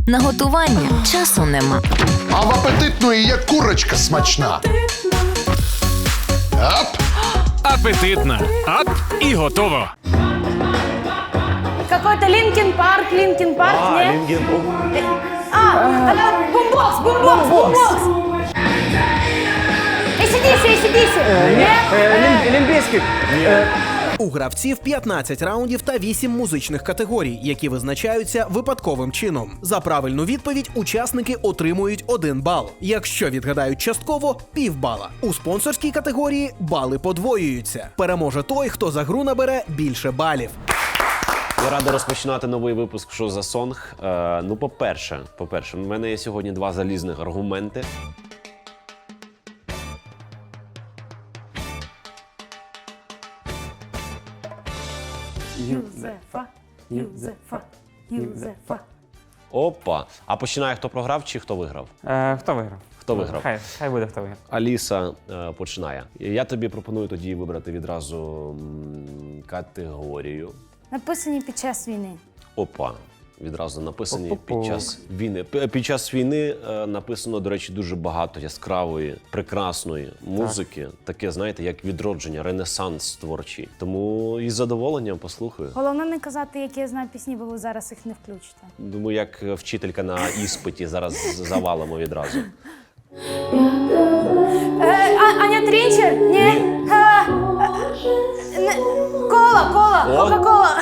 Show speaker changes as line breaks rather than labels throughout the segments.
На готування часу нема.
А в апетитної є курочка смачна. Ап!
Апетитна. Ап і готово.
Какой-то Линкин Парк, нет? Бумбокс. ACDC. Нет?
Олімпійський. У гравців 15 раундів та 8 музичних категорій, які визначаються випадковим чином. За правильну відповідь учасники отримують 1 бал. Якщо відгадають частково – півбала. У спонсорській категорії бали подвоюються. Переможе той, хто за гру набере більше балів.
Я радий розпочинати новий випуск «Що за сонг?». Ну, по-перше, в мене є сьогодні 2 залізних аргументи.
Юзефа.
Опа! А починає хто програв чи хто виграв?
Хто виграв?
Хто виграв?
Хай буде хто виграв.
Аліса починає. Я тобі пропоную тоді вибрати відразу категорію.
Написані під час війни.
Опа. Відразу написані
Пу-пу-пу.
під час війни. Під час війни написано, до речі, дуже багато яскравої, прекрасної музики. Таке, знаєте, як відродження, ренесанс творчий. Тому із задоволенням послухаю.
Головне не казати, які я знаю пісні, бо ви зараз їх не включите.
Думаю, як вчителька на іспиті, зараз завалимо відразу.
Аня Трінчер? Ні. Кола.
О.
Кока-кола.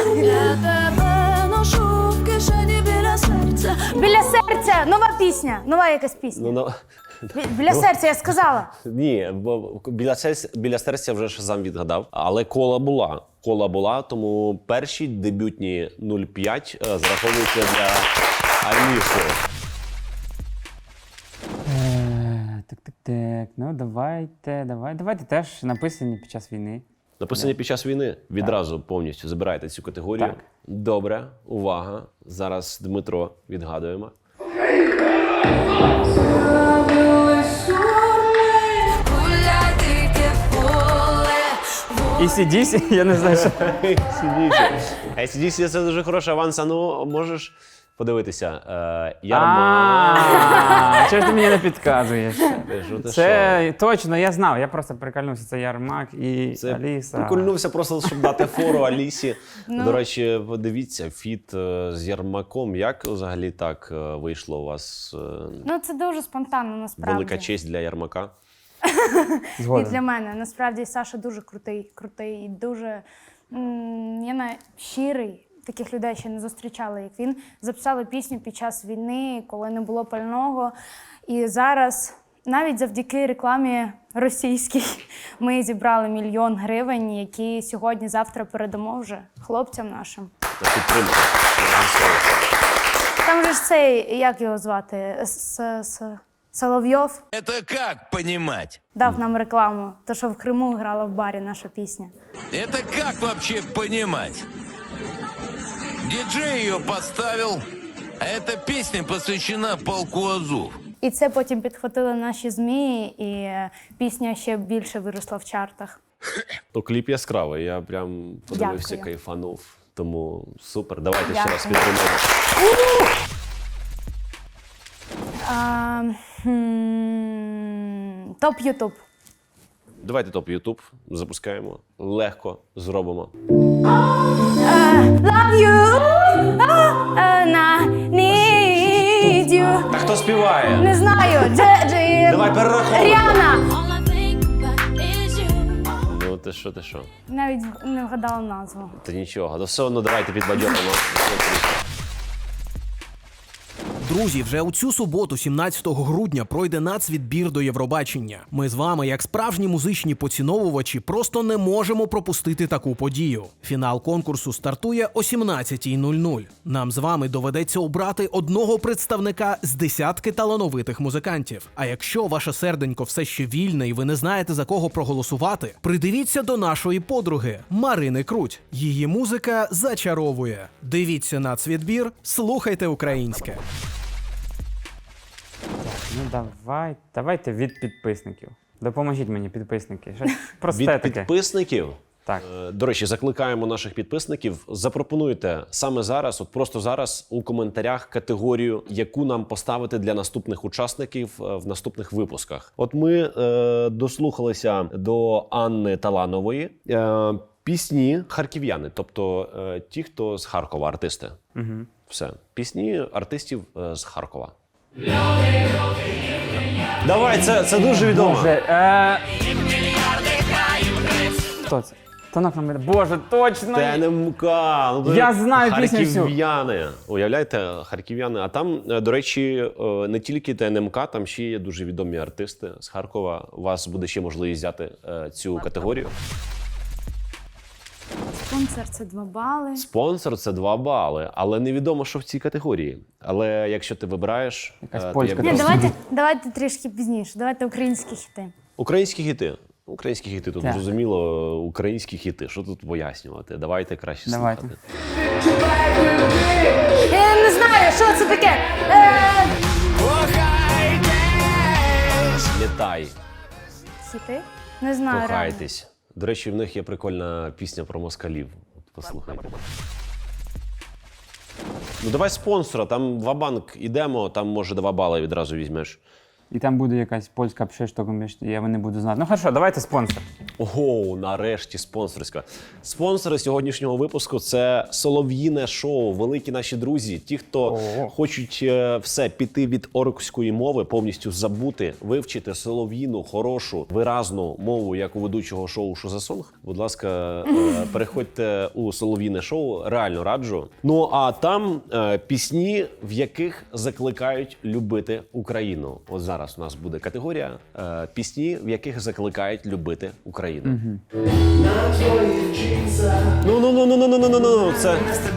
Біля серця. Нова пісня. Нова якась пісня. Біля серця, я сказала.
Ні, бо біля серця вже ж сам відгадав. Але кола була, тому перші дебютні 0,5 зараховуються для Аліси.
Так. Ну, давайте теж написані під час війни.
Написані під час війни. Відразу повністю забираєте цю категорію.
Так.
Добре, увага. Зараз Дмитро відгадуємо.
AC/DC, я не знаю, що.
AC/DC – це дуже хороший аванс. А ну, можеш подивитися. Ярма.
Чого ж ти мені не підказуєш?
Ти
Це точно, я знав. Я просто прикольнувся. Це Ярмак і
Це
Аліса.
прикольнувся просто, щоб дати фору Алісі. До речі, подивіться, фіт з Ярмаком. Як взагалі так вийшло у вас?
Ну, це дуже спонтанно, насправді.
Велика честь для Ярмака.
І для мене. Насправді, Саша дуже крутий і дуже щирий. Таких людей ще не зустрічали, як він. Записали пісню під час війни, коли не було пального. І зараз, навіть завдяки рекламі російській, ми зібрали 1 мільйон гривень, які сьогодні-завтра передамо вже хлопцям нашим.
Та підтримка.
Там же ж цей, як його звати, Соловйов
Это как понимать?
дав нам рекламу. То, що в Криму грала в барі наша пісня.
Это как вообще понимать? Диджей ее поставил, а эта песня посвящена полку Азов.
І це потім підхватили наші ЗМІ, і пісня ще більше виросла в чартах.
То кліп яскравий, я прям подивився,
Дякую.
кайфанув. Тому супер, давайте ще
Дякую.
раз підтримаємо.
Топ Ютуб.
Давайте топ Ютуб запускаємо. Легко зробимо.
Love you, need you.
Та хто співає?
Не знаю,
Давай перераховуй.
Ріана.
Ну ти що?
Навіть не вгадала назву.
Та нічого, то все одно давайте підбадьоримо.
Друзі, вже у цю суботу, 17 грудня, пройде нацвідбір до Євробачення. Ми з вами, як справжні музичні поціновувачі, просто не можемо пропустити таку подію. Фінал конкурсу стартує о 17:00. Нам з вами доведеться обрати одного представника з десятки талановитих музикантів. А якщо ваше серденько все ще вільне і ви не знаєте, за кого проголосувати, придивіться до нашої подруги Марини Круть. Її музика зачаровує. Дивіться нацвідбір, слухайте українське.
Ну давайте від підписників. Допоможіть мені, підписники. Щось просте
Від
таке.
підписників?
Так.
До речі, закликаємо наших підписників, запропонуйте саме зараз, от просто зараз у коментарях категорію, яку нам поставити для наступних учасників в наступних випусках. От ми дослухалися до Анни Таланової. Пісні харків'яни, тобто ті, хто з Харкова, артисти.
Угу.
Все. Пісні артистів з Харкова. Давай, це дуже відомо.
Хто це? Тонок на Боже, точно!
ТНМК.
Я знаю пісню всю.
Харків'яни. Уявляєте, харків'яни. А там, до речі, не тільки ТНМК, там ще є дуже відомі артисти з Харкова. У вас буде ще можливість взяти цю категорію.
Спонсор це 2 бали.
Спонсор – це 2 бали, але невідомо, що в цій категорії. Але якщо ти вибираєш...
Якась
то
польська
я
Ні,
буду-
давайте трішки пізніше. Давайте українські хіти.
Українські хіти. Українські хіти, тут
Так.
зрозуміло, українські хіти. Що тут пояснювати? Давайте краще
Давайте.
слухати.
Я не знаю, що це таке.
Літай,
Хіти? Не знаю. реально.
кохайтесь. До речі, в них є прикольна пісня про москалів. От послухайте. Ну давай спонсора, там Ва-банк ідемо, там може 2 бали відразу візьмеш.
І там буде якась польська пшештока, я не буду знати. Ну хорошо, давайте спонсор.
Ого, нарешті спонсорська. Спонсори сьогоднішнього випуску – це Солов'їне шоу, великі наші друзі. Ті, хто хочуть все піти від оркської мови, повністю забути, вивчити солов'їну, хорошу, виразну мову, як у ведучого шоу «Що за сонг?». Будь ласка, переходьте у Солов'їне шоу, реально раджу. Ну а там пісні, в яких закликають любити Україну. От зараз у нас буде категорія пісні, в яких закликають любити Україну. Ну, це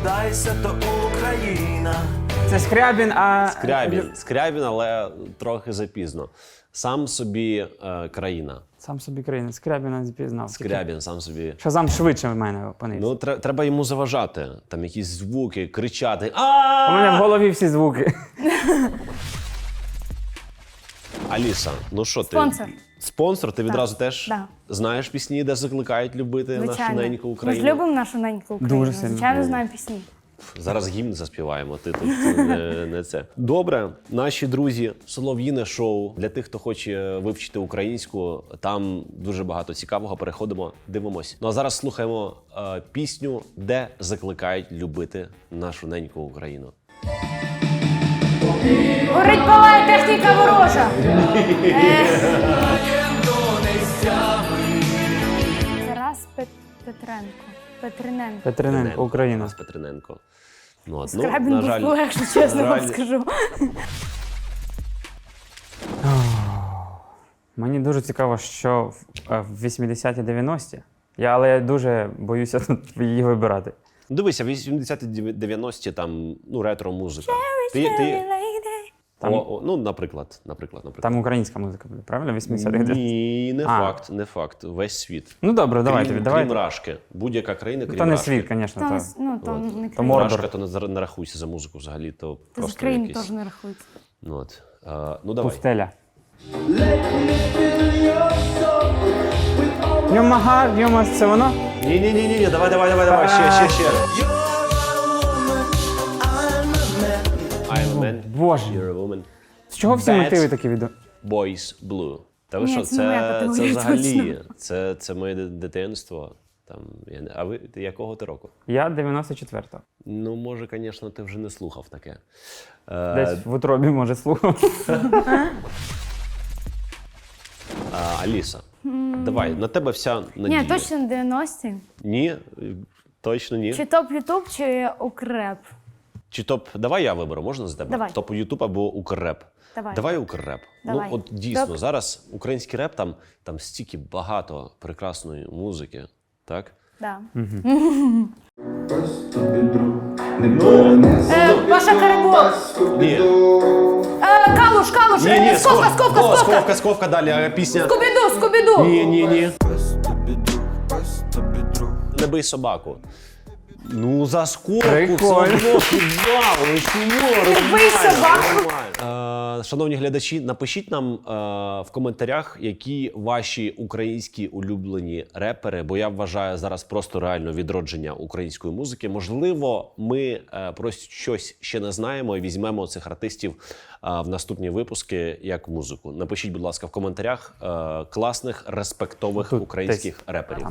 Це Скрябін, а...
Скрябін, але трохи запізно. Сам собі країна.
Сам собі країна. Скрябіна не пізнав.
Скрябін сам собі.
Шазам швидше в мене опинився.
Ну, треба йому заважати. Там якісь звуки, кричати.
У мене в голові всі звуки.
Аліса, ну що ти?
Спонсор.
Спонсор? Ти відразу теж
Да.
знаєш пісні, де закликають любити нашу
Звичайно.
неньку
Ми
Україну?
ж любимо нашу неньку Україну.
Дуже сильно.
Звичайно, знаємо пісні.
Зараз гімн заспіваємо, ти тут не це. Добре, наші друзі, Солов'їне шоу. Для тих, хто хоче вивчити українську, там дуже багато цікавого. Переходимо, дивимось. Ну а зараз слухаємо пісню, де закликають любити нашу неньку Україну.
Горить палає техніка ворожа. Тарас Петрененко.
Петриненко, Україна.
Тарас Петриненко. Ну, от,
Скрябін
на
був
жаль,
легше, чесно
на
вам
жаль,
скажу.
Мені дуже цікаво, що в 80-ті, 90-ті. Але я дуже боюся тут її вибирати.
Дивися, 80-ті, 90-ті, там, ну, ретро-музика.
Там-
Ну, наприклад.
Там українська музика буде, правильно? 80-х?
Ні, не
А.
факт, не факт. Весь світ.
Ну добре, давайте.
Крім Рашки. Будь-яка країна, крім
То не
Рашки.
світ, звісно.
Там,
То...
ну, там не
То
країна.
Мордор.
Рашка, то не рахуйся за музику взагалі, то
Та з
просто
країн
якийсь.
теж не рахується.
Ну, от. Ну, давай.
Пустеля. Йомагар, Йомас, це воно?
Ні, давай, ще. I'm a man,
Боже.
you're a woman.
З чого всі
Bad
мотиви такі відео?
Boys Blue. Та ви
Ні,
що,
це не моя
це
категорія,
взагалі, це моє дитинство. Там, а ви якого ти року?
Я 94-го.
Ну, може, звісно, ти вже не слухав таке.
Десь в утробі, може, слухав.
Аліса, давай, на тебе вся надія.
Ні, точно 90-ті.
Ні, точно ні.
Чи топ Ютуб, чи Укрреп.
Чи топ, давай я виберу, можна за тебе?
Давай.
Топ Ютуб або Укрреп.
Давай.
Укрреп.
Давай.
Ну, от дійсно,
Топ.
зараз український реп, там стільки багато прекрасної музики, так?
Да. Паша Карабок.
Ні.
Калуш,
Сковка, далі, пісня.
Скубіду.
Ні. Не бий собаку. Ну, за скорку все
Прикольно.
одно півбалу. Ну чому?
Любий собаку.
Шановні глядачі, напишіть нам в коментарях, які ваші українські улюблені репери, бо я вважаю зараз просто реально відродження української музики. Можливо, ми про щось ще не знаємо і візьмемо цих артистів в наступні випуски як музику. Напишіть, будь ласка, в коментарях класних, респектових
Тут
українських
десь.
реперів.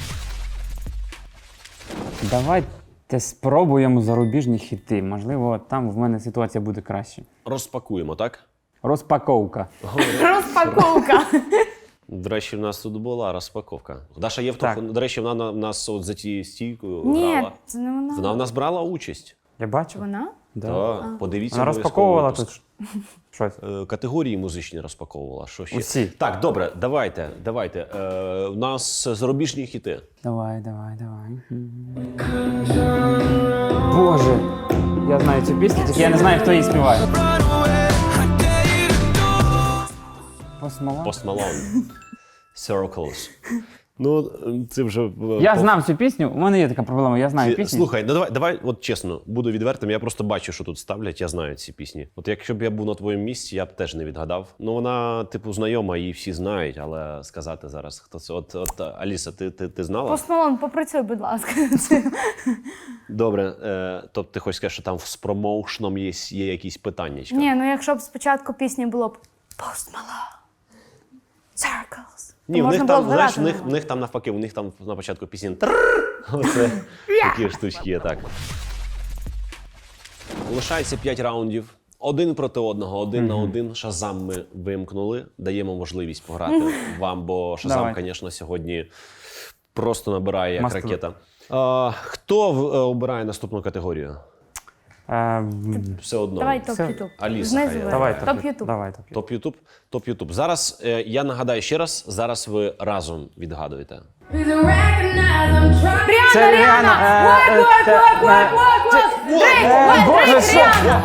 Давайте спробуємо зарубіжні хіти. Можливо, там в мене ситуація буде краще.
Розпакуємо, так?
Розпаковка.
Розпаковка.
До речі, в нас тут була розпаковка. Даша
Так.
Євтух, до речі, вона в нас от за тією стійкою
Ні,
грала.
це не вона.
Вона в нас брала участь.
Я бачу.
Вона?
Да.
Так, подивіться.
Вона
обов'язково
розпаковувала
випуск.
тут щось.
Категорії музичні розпаковувала. Що ще?
Усі.
Так, добре, давайте. У нас зарубіжні хіти.
Давай. Боже, я знаю цю пісню, тільки я не знаю, хто її співає. Post Malone?
Post Malone. Circles. Ну, це вже...
Я знав цю пісню, у мене є така проблема, я знаю пісню.
Слухай, ну давай, от чесно, буду відвертим, я просто бачу, що тут ставлять, я знаю ці пісні. От якщо б я був на твоєму місці, я б теж не відгадав. Ну вона, типу, знайома, її всі знають, але сказати зараз, хто це. От Аліса, ти знала?
Post Malone, попрацюй, будь ласка.
Добре, тобто ти хочеш сказати, що там з промоушеном є якісь питання?
Ні, ну якщо б спочатку пісні було б Post Malone, Circles.
Ні,
то
в них
можна
там,
було б
знаєш,
грати
в них там навпаки, у них там на початку пісні «трррр». Оце такі штучки є, так. Лишається 5 раундів. Один проти одного, один на один. Шазам ми вимкнули. Даємо можливість пограти вам, бо Шазам,
Давай.
звісно, сьогодні просто набирає як
Мастер.
ракета. Хто обирає наступну категорію? Все одно.
Давай топ
Все.
Ютуб.
Аліса,
Знизу
хай.
вверх.
Давай,
Топ Ютуб.
Давай, топ.
Топ Ютуб. Топ Ютуб. Зараз я нагадаю ще раз, зараз ви разом відгадуєте.
Це
Ріана!
Ріана, Боже, що?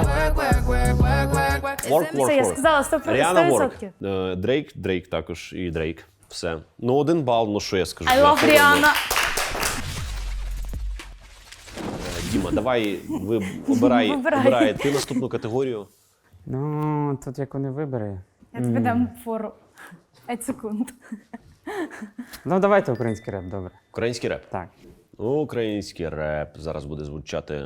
Work.
Це я сказала 100%.
Ріана
100%.
Ворк. Дрейк також і Дрейк. Все. Ну, 1 бал, ну що я скажу.
I
Я
love
все одно.
Ріана.
Діма, давай ви
Вибирай.
обирай ти наступну категорію.
Ну, тут як вони вибери.
Я тобі дам фору. 5 секунд.
Ну, давайте український реп, добре.
Український реп.
Так.
Український реп зараз буде звучати.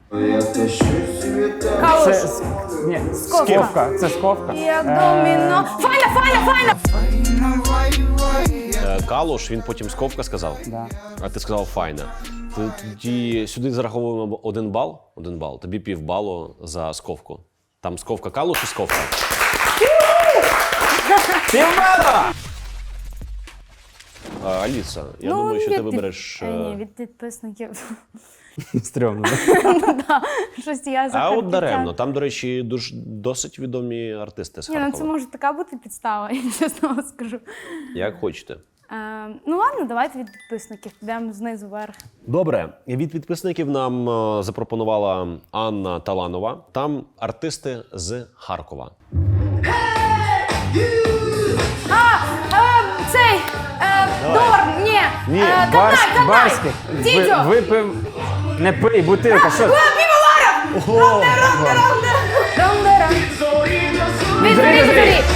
Калуш.
Це, ні, Сковка. Це Сковка.
Як доміно. Файна!
Калуш, він потім Сковка сказав,
Да.
а ти сказав файна. Тоді сюди зараховуємо 1 бал. 1 бал. Тобі півбалу за Сковку. Там Сковка Калуш і Сковка. Аліса, я думаю, що ти вибереш.
Ні, від підписників.
Стрьомно.
Щось я
А
захотіла.
от даремно. Там, до речі, досить відомі артисти з
Ні, ну це
Харкова.
може така бути підстава, я чесно вам скажу.
Як хочете.
Ну ладно, давайте від підписників. Підемо знизу вверх.
Добре, від підписників нам запропонувала Анна Таланова. Там артисти з Харкова.
Цей Дорн, ні.
Ні,
Канай.
Барських.
Дідьо.
Випив. Не пий, бутилка. Що?
Рондера. Візбері.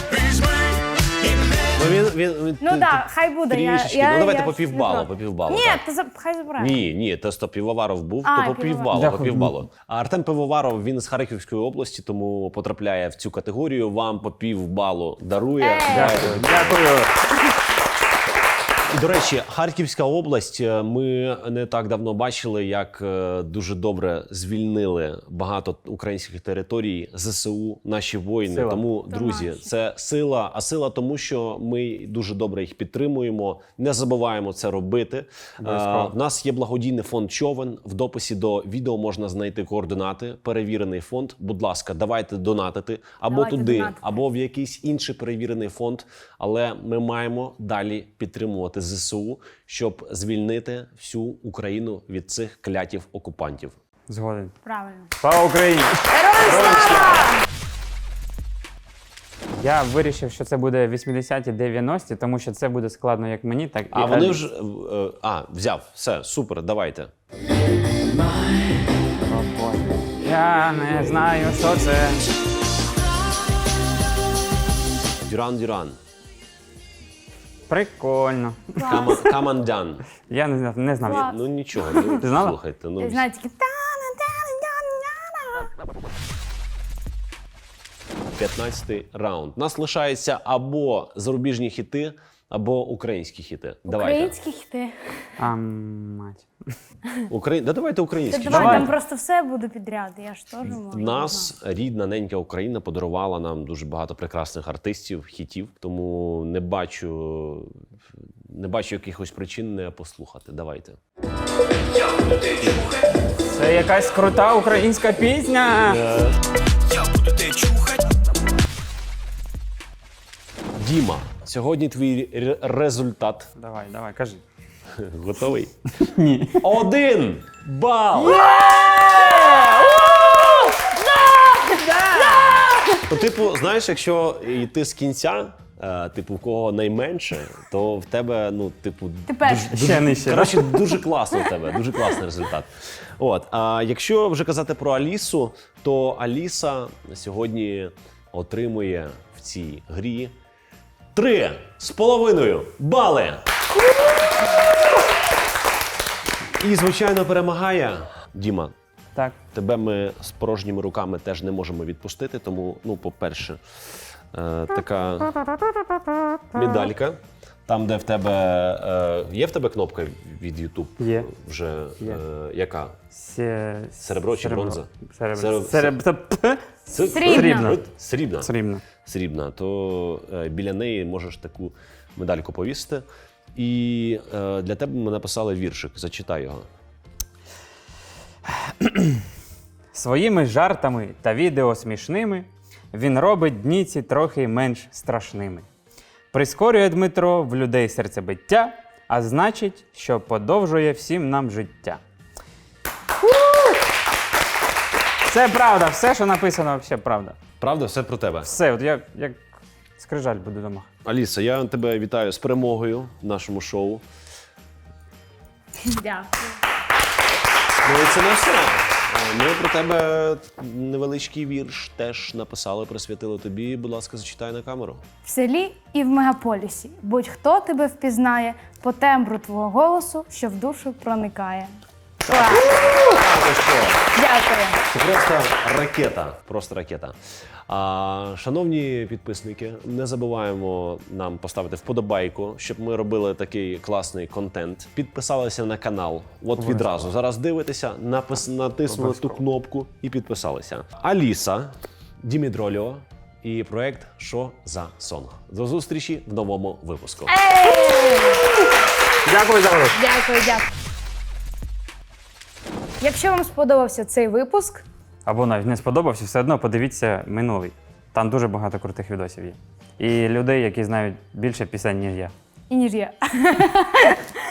Ну так, хай буде.
Трішечки. Ну давайте по півбалу, по півбалу.
Ні,
так.
хай забирає.
Ні, то Півоваров був,
А,
то по
Півоваров.
півбалу, по
Дякую.
півбалу. А Артем Пивоваров, він з Харківської області, тому потрапляє в цю категорію. Вам по півбалу дарує.
Дякую.
І, до речі, Харківська область, ми не так давно бачили, як дуже добре звільнили багато українських територій ЗСУ, наші воїни.
Сила.
Тому,
То
друзі,
наші.
це сила. А сила тому, що ми дуже добре їх підтримуємо, не забуваємо це робити.
Обов'язково.
В нас є благодійний фонд «Човен». В дописі до відео можна знайти координати. Перевірений фонд. Будь ласка, давайте донатити або
Давайте
туди,
донатити.
або в якийсь інший перевірений фонд. Але ми маємо далі підтримувати ЗСУ, щоб звільнити всю Україну від цих клятів окупантів.
Згоден.
Правильно.
Слава Україні!
Героям слава!
Я вирішив, що це буде 80-ті, 90-ті, тому що це буде складно як мені, так і
А вони
Алісі.
вже взяв. Все, супер, давайте.
Я не знаю, що це.
Дюран-Дюран.
Прикольно.
Камандан.
Я не знав.
Клас.
Ну нічого, ну,
Ти знала?
слухайте. Ну,
Я знаю тільки
15-й раунд. У нас лишається або зарубіжні хіти, або українські хіти. Давайте.
українські хіти.
А, мать.
Да давайте українські.
Давай,
Давай.
там просто все буде підряд, я ж теж можу.
Нас рідна ненька Україна подарувала нам дуже багато прекрасних артистів, хітів, тому не бачу якихось причин не послухати. Давайте.
Це якась крута українська пісня.
Діма, сьогодні твій результат.
Давай, кажи.
Готовий?
Ні.
1 бал! Ну, типу, знаєш, якщо йти з кінця, типу, в кого найменше, то в тебе, ну, типу,
Ти перший.
Ще нижче.
коротше, дуже класно в тебе, дуже класний результат. От, а якщо вже казати про Алісу, то Аліса сьогодні отримує в цій грі 3,5 бали. І, звичайно, перемагає Діма.
Так.
Тебе ми з порожніми руками теж не можемо відпустити, тому, ну, по-перше, така медалька. Там, де в тебе є в тебе кнопка від YouTube?
Є.
Вже
Є.
яка?
Серебро
чи бронза?
Серебро.
Срібна.
Срібна.
Срібно.
Срібна. То біля неї можеш таку медальку повісити. І для тебе ми написали віршик. Зачитай його.
Своїми жартами та відео смішними він робить дні ці трохи менш страшними. Прискорює Дмитро в людей серцебиття, а значить, що подовжує всім нам життя. Це правда, все, що написано, взагалі правда.
Правда, все про тебе.
Все, от як скрижаль буду дома.
Аліса, я тебе вітаю з перемогою в нашому шоу.
Дякую.
Ну і це не все. Ми про тебе невеличкий вірш теж написали, присвятили тобі. Будь ласка, зачитай на камеру.
В селі і в мегаполісі будь-хто тебе впізнає по тембру твого голосу, що в душу проникає. Клас. Дякую.
Це просто ракета. Просто ракета. Шановні підписники, не забуваємо нам поставити вподобайку, щоб ми робили такий класний контент. Підписалися на канал. От відразу. Зараз дивитеся, натиснули ту кнопку і підписалися. Аліса, Дімідроліо і проект «Що за сонг». До зустрічі в новому випуску.
Дякую за гру.
Дякую. Якщо вам сподобався цей випуск,
Або навіть не сподобався, все одно подивіться минулий. Там дуже багато крутих відосів є. І людей, які знають більше пісень, ніж я.
і ніж я.